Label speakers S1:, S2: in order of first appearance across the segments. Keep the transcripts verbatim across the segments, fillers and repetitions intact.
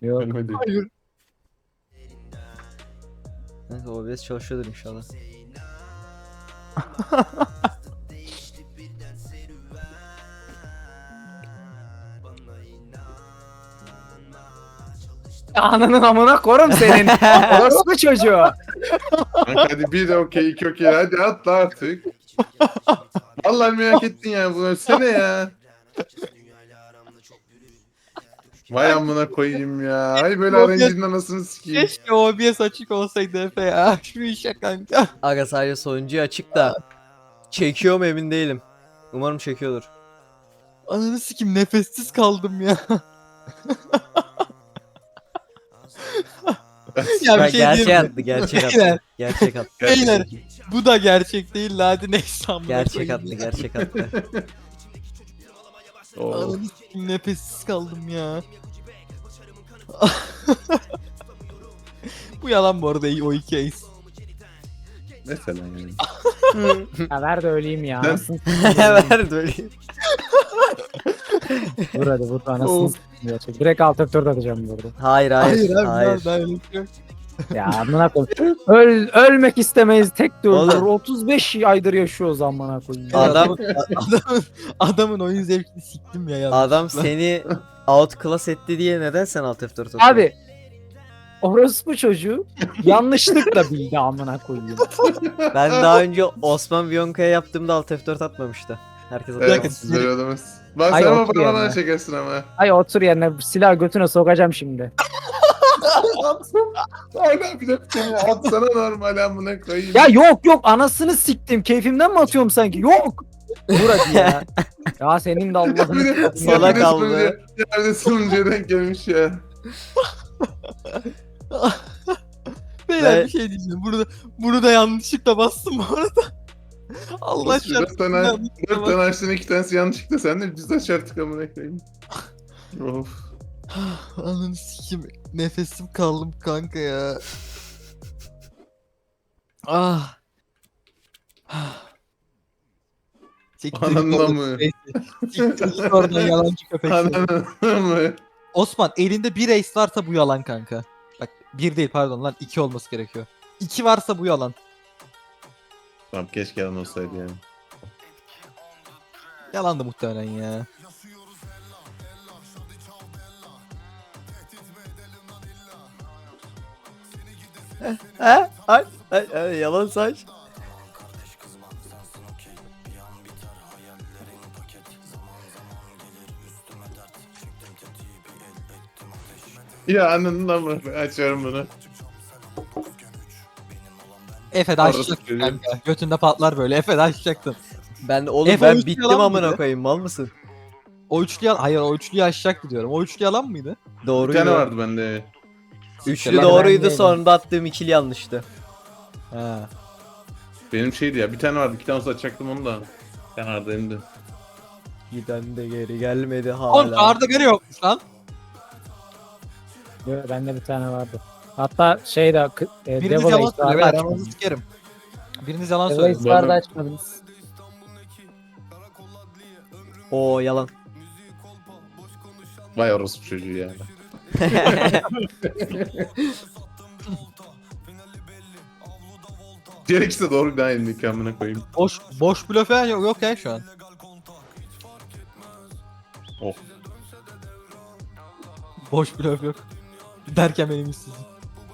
S1: Yok.
S2: Ölmedi.
S3: Hayır.
S4: Neyse O B S çalışıyordur inşallah.
S1: Ananın amına korum senin. Orospu çocuğu.
S2: Kanka hadi bir okey iki okey hadi atla artık. Vallahi merak ettin ya bunu ölsene ya. Vay amına koyayım ya. Hay böyle
S3: O B S
S2: R N G'nin anasını sikeyim.
S3: Keşke O B S açık olsaydı Efe ya. Şu işe kanka.
S4: Aga sadece sonuncuyu açık da çekiyor mu emin değilim. Umarım çekiyordur.
S3: Ananı sikim nefessiz kaldım ya. Ya bir
S4: Ben
S3: şey
S4: gerçek
S3: diyeyim mi?
S4: attı, gerçek
S3: Beyler.
S4: attı. Gerçek attı.
S3: Beyler bu da gerçek değil la, hadi neyse amına
S4: Gerçek
S3: koyayım
S4: attı,
S3: ya.
S4: gerçek attı.
S2: Oo.
S3: Ananı sikim nefessiz kaldım ya. Bu yalan bu arada, o iki ace.
S2: Mesela yani.
S1: Ya ver de öleyim ya.
S2: Ben-
S1: Anasını
S4: Ver böyle.
S1: vur hadi vur anasını
S3: Of.
S1: s**eyim gerçek. Direkt alt F dört atacağım burada.
S4: Hayır, hayır,
S3: Hayır
S4: hayır.
S3: abi daha öyle bir şey yok.
S1: Ya amına koyayım. Öl, ölmek istemeyiz tek de öldürür.
S4: Oğlum.
S1: otuz beş aydır yaşıyoruz amına koyayım.
S4: Adam
S3: Adamın, adamın oyun zevkini siktim ya yanlış.
S4: adam seni outclass etti diye neden sen Alt F dört atıyorsun?
S1: Abi orospu çocuğu yanlışlıkla bildi amına koyayım.
S4: Ben daha önce Osman Bionka'ya yaptığımda Alt F dört atmamıştı. Herkes
S2: Evet
S4: atıyor.
S2: siz böyle adamız. Bak
S1: Ay,
S2: sen ama
S1: otur
S2: bana
S1: yerine.
S2: çekersin ama.
S1: Ay otur yerine silah götüne sokacağım şimdi.
S2: Hala bir dakika ya. Atsana normal amına koyayım.
S1: Ya yok yok anasını siktim. Keyfimden mi atıyorum sanki? Yok. Dur hadi ya. Ya senin de
S2: Bir de-
S1: Allah'ını
S4: Salak
S2: bir de
S4: aldı.
S2: sunucuya- Yerde sunucuya denk gelmiş ya.
S3: Beyler
S4: Ve-
S3: bir şey diyeceğim. Bunu da, bunu da yanlışlıkla bastım bu arada. Allah
S2: Olsun, dört
S3: şartını
S2: tane,
S3: yanlışlıkla
S2: dört
S3: bastım.
S2: tane açtın iki tanesi yanlışlıkla sen de düz aç artık amına koyayım. Of.
S3: Ananı sikim. Nefesim kaldım kanka ya. Ah. Siktir git
S2: Ananla
S3: oradan.
S2: mı?
S3: Neyse. Siktir git oradan yalancı köpek. seni.
S2: Ananı mı?
S3: Osman elinde bir ace varsa bu yalan kanka. Bak bir değil pardon lan, iki olması gerekiyor. İki varsa bu yalan.
S2: Tamam keşke yalan olsaydı yani.
S3: Yalandı muhtemelen ya.
S4: Ha? Ay, ay, ay, yalan saç.
S2: Ya ananla mı? Açıyorum bunu.
S3: Efe de
S2: Orası
S3: açacaktın
S2: çocuğu.
S3: kanka. Götünde patlar böyle. Efe de açacaktın.
S4: Ben oğlum
S3: Efe
S4: ben
S3: üstü
S4: bittim
S3: yalan
S4: amına
S3: mıydı?
S4: koyayım, mal mısın?
S3: O üçlü yalan. Hayır, o üçlüyü açacaktı diyorum. O üçlü yalan mıydı?
S2: Bir
S4: Doğruydu.
S2: tane vardı bende.
S4: Üçlü
S1: Ben
S4: doğruydu,
S1: değilim.
S4: sonunda attığım ikili yanlıştı.
S3: Ha.
S2: Benim şeydi ya bir tane vardı iki tane olsa açacaktım onu da. Bir tane vardı benim de.
S4: Giden de geri gelmedi
S3: Oğlum
S4: hala.
S3: Arda gene yokmuş lan.
S1: Yo, bende bir tane vardı. Hatta şey de k- e,
S3: Biriniz
S1: Devil
S3: yalan
S1: Ace
S3: söylüyor.
S1: vardı
S3: Ben
S1: açmadım.
S3: aranızı sikerim. Biriniz yalan
S1: Devil
S3: söylüyor.
S1: Ace vardı
S2: Bana-
S1: açmadınız.
S4: Oo yalan.
S2: Vay orospu çocuğu ya. Gerekirse doğru bir daha elimdeki amına koyayım.
S3: Boş boş blöf falan yok, yok ya şu an.
S2: Oh.
S3: Boş blöf yok. Derken benim işsizim.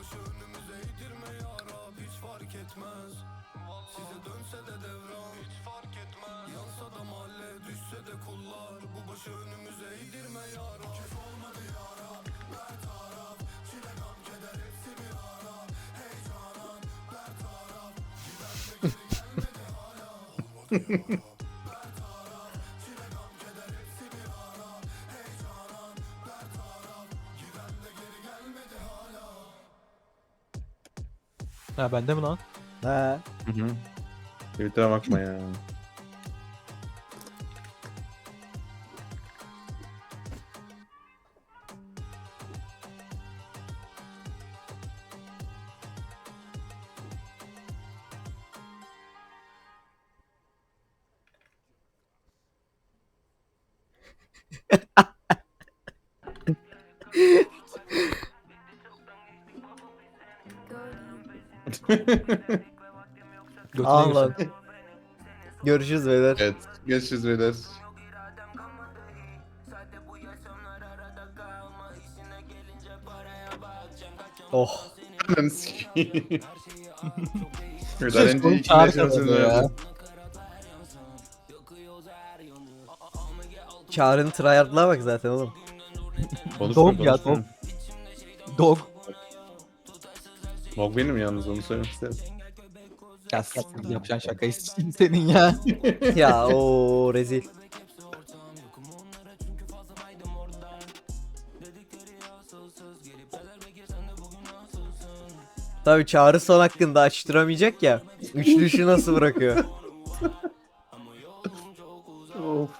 S3: Ha bende mi lan?
S4: Ha.
S2: Hı hı. Twitter'a bakma ya.
S3: Götüne
S4: Al
S3: girsin.
S4: lan. Görüşürüz beyler.
S2: Evet. Görüşürüz beyler.
S4: Oh.
S2: Ananı sikeyim. Evet,
S3: Ses
S2: önce
S3: konu
S2: iki
S3: çağrı
S2: yaşam
S3: kazanıyor
S2: sözü
S3: ya.
S2: verdim.
S4: Çağrı'nın tryhard'lığa bak zaten oğlum.
S2: Konuşma,
S3: Dog ya,
S2: konuşma.
S3: dog. Dog.
S2: Dog benim yalnız, onu söylemek istedim.
S3: Ya s- yapacağın şakayı s- senin ya.
S4: Ya o rezil. Tabii Çağrı son hakkında açtıramayacak ya. Üçlü nasıl bırakıyor?
S2: Of.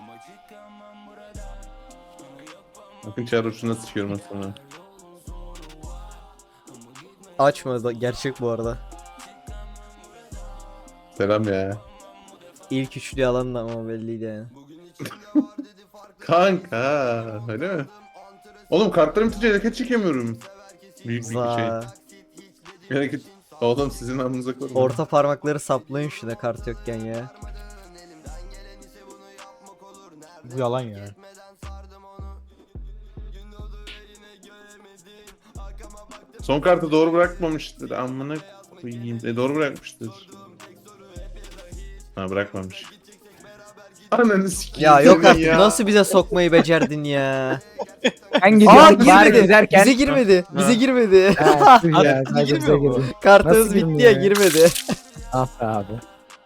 S2: Bakın Çağrı uçuna sıçıyorum ben sana.
S4: Açma da gerçek bu arada.
S2: Selam ya.
S4: İlk üçlü alan da ama belliydi yani.
S2: Kanka öyle mi? Oğlum kartlarım tutunca hareket çekemiyorum. Büyük bir şey.
S4: Za.
S2: Bir hareket. Oğlum sizin amınıza koyun.
S4: Orta parmakları saplayın şuna kart yokken ya.
S3: Bu yalan ya.
S2: Son kartı doğru bırakmamıştır. Amına koyayım. E, doğru bırakmıştır. Ha, bırakmamış. Ananı sikeyim.
S4: Ya yok
S2: senin
S4: artık
S2: ya.
S4: nasıl bize sokmayı becerdin ya.
S1: Ben
S4: Aa
S1: gidiyorum. bari
S4: girmedi.
S1: giderken.
S4: Bize girmedi. Bize girmedi.
S1: Ha, tüh ya,
S3: Abi,
S1: sadece bize
S3: girmiyor mu?
S1: girdi.
S4: Kartınız
S1: Nasıl
S4: bitti ya
S1: girmiyor ya?
S4: girmedi.
S1: Ah be abi.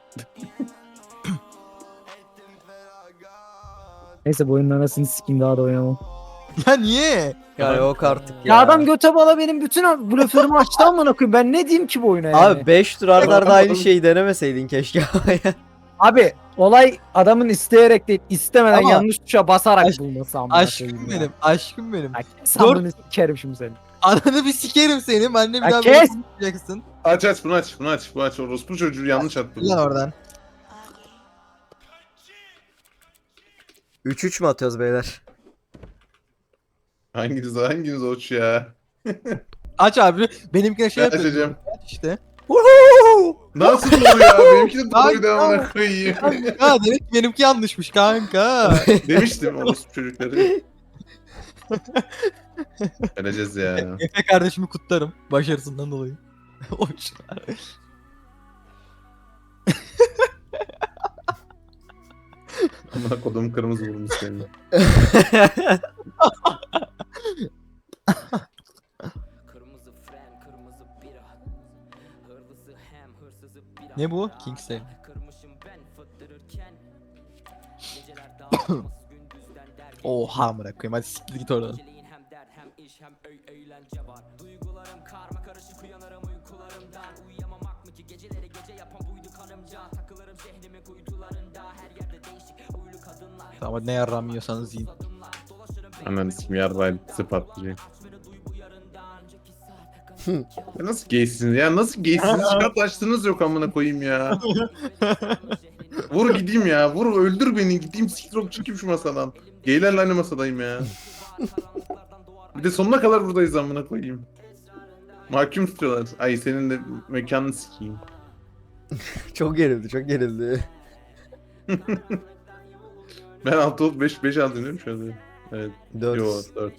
S1: Neyse bu oyunun anasını sikeyim, daha da oynamam.
S3: Ya niye?
S4: Yani yok artık ya.
S1: Ya adam göte bala benim bütün blöförümü açtı amına koyayım. Ben ne diyeyim ki bu oyuna yani?
S4: Abi beş tur arda arda aynı şeyi denemeseydin keşke ama ya.
S1: Abi olay adamın isteyerek değil, istemeden
S3: Ama-
S1: yanlış tuşa basarak
S3: Aşk-
S1: bulması amına
S3: Aşkım
S1: koyayım ya.
S3: benim. Aşkım benim.
S1: Ya kes amına sikerim şimdi seni.
S3: Ananı bir sikerim seni. Ben de bir
S1: Ya
S3: daha
S1: kes!
S3: böyle konuşmayacaksın.
S2: Aç aç bunu aç bunu aç. Bu aç. Orospu çocuğu yanlış attı.
S3: Lan oradan.
S4: üç üç mü atıyoruz beyler?
S2: Hanginiz hanginiz oç ya?
S3: Aç abi. Benimkine şey
S2: Ben
S3: yapıyorsun.
S2: açacağım.
S3: İşte.
S2: Nasıl doğru ya? Benimki de doğruydu
S3: Kanka.
S2: amına koyayım.
S3: Ha demek ki benimki yanlışmış kanka.
S2: Demiştim orospu çocukları. Öleceğiz ya.
S3: Efe kardeşimi kutlarım. Başarısından dolayı. Hoş.
S2: Amına kodum kırmızı vurmuş seni.
S5: Kırmızı fren, kırmızı bira. Hırlısı hem hırsızı bira.
S3: Ne bu? Kingston.
S5: Kırmışım ben fıttırırken. Geceler dağılmaz gündüzden derken.
S3: Oha amına koyayım, hadi siktir git oradan.
S5: Geceleyin hem dert hem iş hem öy eğlence var. Duygularım karma karışık uyanırım uykularımdan. Uyuyamamak mı ki geceleri gece yapan buydu karımca. Takılırım şehrimin kuytularında. Her yerde değişik uylu kadınlar.
S3: Ama ne yarram yiyorsanız yiyin.
S2: Ananı sikim yarraydı patlayacak. Ya nasıl gaysiniz ya? Nasıl gaysiniz? Çıkart açtığınız yok amına koyayım ya. Vur gideyim ya. Vur öldür beni. Gideyim siktir çıkayım şu masadan. Geylerle aynı masadayım ya. Bir de sonuna kadar buradayız amına koyayım. Mahkum tutuyorlar. Ay senin de mekanını sikeyim.
S4: Çok gerildi çok gerildi.
S2: Ben altı olup beş beş aldım değil mi şu anda? Evet.
S4: dört.
S2: Yo dört.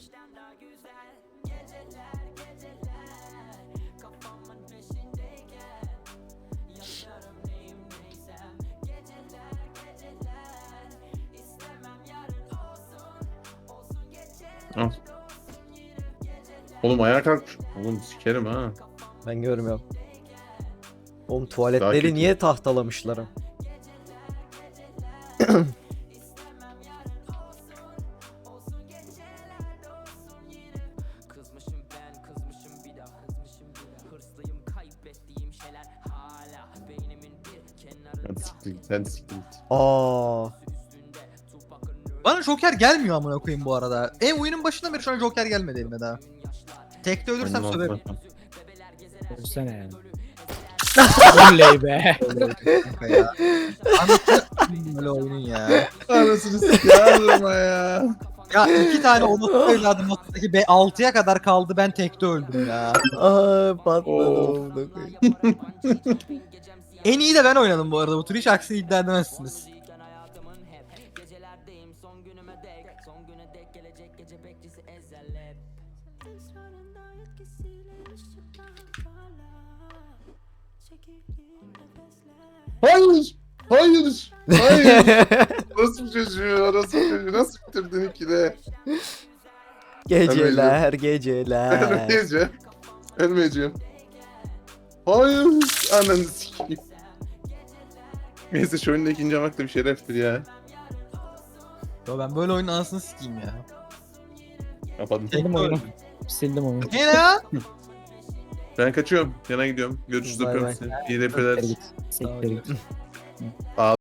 S2: Al. Oğlum ayağa kalk. Oğlum sikerim ha.
S4: Ben görmüyorum. Oğlum
S2: Daha
S4: tuvaletleri
S2: kötü.
S4: niye tahtalamışlarım?
S5: Kızmışım ben, kızmışım bir daha, kızmışım bir daha. Hırslıyım kaybettiğim şeyler hala beynimin bir kenarında.
S2: Hadi siktir git. Hadi siktir git.
S4: Aa.
S3: Bana Joker gelmiyor amına koyayım bu arada. En oyunun başından beri şu an Joker gelmedi elime daha. Tekte ölürsem
S2: Aynen,
S3: söverim.
S2: al, al.
S1: Ölsene yani. Oley be.
S3: Kanka ya. Anlatın böyle oyunun ya.
S2: Anasını sikiyorum ya.
S3: Ya iki tane onu evladım masadaki be altıya kadar kaldı ben tekte öldüm ya.
S4: Aa patladı.
S2: Oo.
S4: amına koyayım.
S3: En iyi de ben oynadım bu arada bu tür hiç aksini iddia edemezsiniz.
S5: Gecelerdeyim son günüme dek son güne dek gelecek gece bekçisi ezel hep. Esrarında etkisiyle ışıktan parlar. Çekildiğin nefesler.
S2: Hayır. Hayır. Hayır. Nasıl bir çocuğu? Nasıl bir çocuğu? Nasıl bitirdin ikide?
S4: Geceler geceler.
S2: Ölmeyeceğim. Ölmeyeceğim. Hayır. Ananı sikeyim. Neyse şu oyunda ikinci olmak da bir şereftir ya.
S3: Yo ben böyle oyunun anasını sikeyim ya.
S2: Kapadım.
S1: Sildim oyunu. Sildim oyunu.
S3: Ne ya?
S2: Ben kaçıyorum. Yana gidiyorum. Görüşürüz.
S4: Bay
S2: Öpüyorum
S4: bay.
S2: seni. İyi repeler.
S1: Siktir git. Siktir git.